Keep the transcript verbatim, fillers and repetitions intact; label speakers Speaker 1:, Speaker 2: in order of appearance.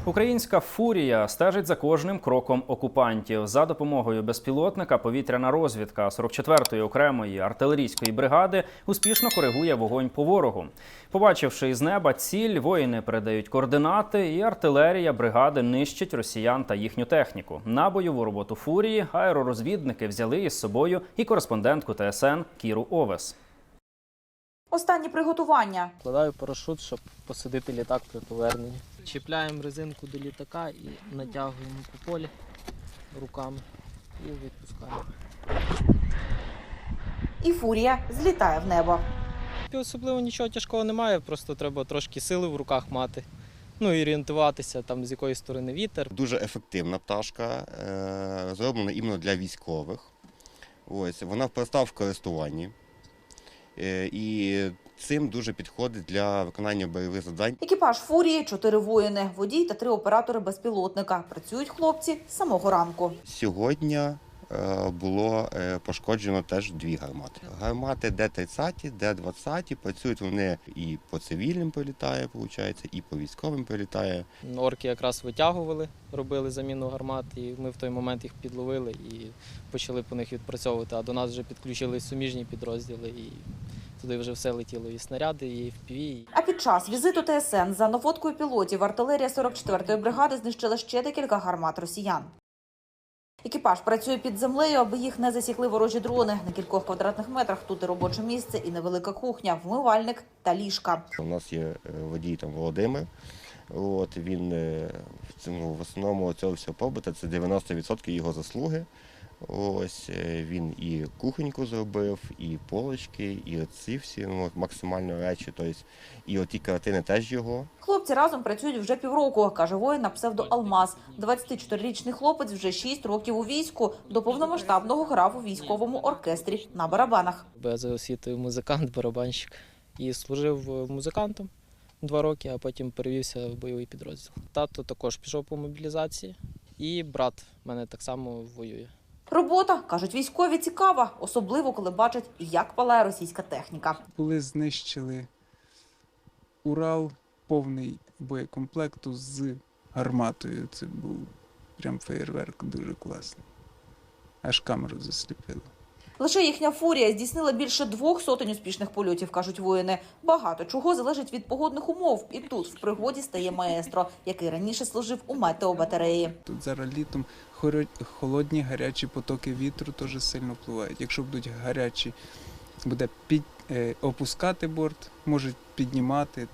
Speaker 1: Українська «Фурія» стежить за кожним кроком окупантів. За допомогою безпілотника повітряна розвідка сорок четвертої окремої артилерійської бригади успішно коригує вогонь по ворогу. Побачивши із неба ціль, воїни передають координати, і артилерія бригади нищить росіян та їхню техніку. На бойову роботу «Фурії» аеророзвідники взяли із собою і кореспондентку Т С Н Кіру Овес.
Speaker 2: Останні приготування.
Speaker 3: Вкладаю парашут, щоб посадити літак при поверненні. Чіпляємо резинку до літака і натягуємо по полі руками і відпускаємо.
Speaker 2: І «Фурія» злітає в небо.
Speaker 3: Особливо нічого тяжкого немає, просто треба трошки сили в руках мати. Ну і орієнтуватися, там, з якої сторони вітер.
Speaker 4: Дуже ефективна пташка, зроблена іменно для військових. Ось, вона проста в користуванні. І цим дуже підходить для виконання бойових завдань.
Speaker 2: Екіпаж «Фурії» – чотири воїни, водій та три оператори безпілотника. Працюють хлопці з самого ранку.
Speaker 4: Сьогодні було пошкоджено теж дві гармати. Гармати Д тридцять, Д двадцять, працюють вони і по цивільним прилітає, виходить, і по військовим прилітає.
Speaker 3: Орки якраз витягували, робили заміну гармат, і ми в той момент їх підловили і почали по них відпрацьовувати. А до нас вже підключили суміжні підрозділи, і туди вже все летіло, і снаряди, і еф пі ві.
Speaker 2: А під час візиту Т С Н за наводкою пілотів артилерія сорок четвертої бригади знищила ще декілька гармат росіян. Екіпаж працює під землею, аби їх не засікли ворожі дрони. На кількох квадратних метрах тут і робоче місце, і невелика кухня, вмивальник та ліжка.
Speaker 4: У нас є водій там Володимир. От, він в цьому, в основному цього всього побута, це дев'яносто відсотків його заслуги. Ось він і кухоньку зробив, і полочки, і ці всі ну, максимально речі. Тобто, і оті картини теж його.
Speaker 2: Хлопці разом працюють вже півроку, каже воїн на псевдо Алмаз. двадцятичотирирічний хлопець вже шість років у війську. До повномасштабного грав у військовому оркестрі на барабанах.
Speaker 3: Я за освітою музикант, барабанщик. І служив музикантом два роки, а потім перевівся в бойовий підрозділ. Тато також пішов по мобілізації, і брат в мене так само воює.
Speaker 2: Робота, кажуть військові, цікава, особливо коли бачать, як палає російська техніка.
Speaker 5: Були знищили Урал, повний боєкомплекту з гарматою. Це був прям феєрверк дуже класний. Аж камеру засліпило.
Speaker 2: Лише їхня «Фурія» здійснила більше двох сотень успішних польотів, кажуть воїни. Багато чого залежить від погодних умов. І тут в пригоді стає маестро, який раніше служив у метеобатареї.
Speaker 5: Тут зараз літом холодні, гарячі потоки вітру теж сильно впливають. Якщо будуть гарячі, буде під, е, опускати борт, можуть піднімати.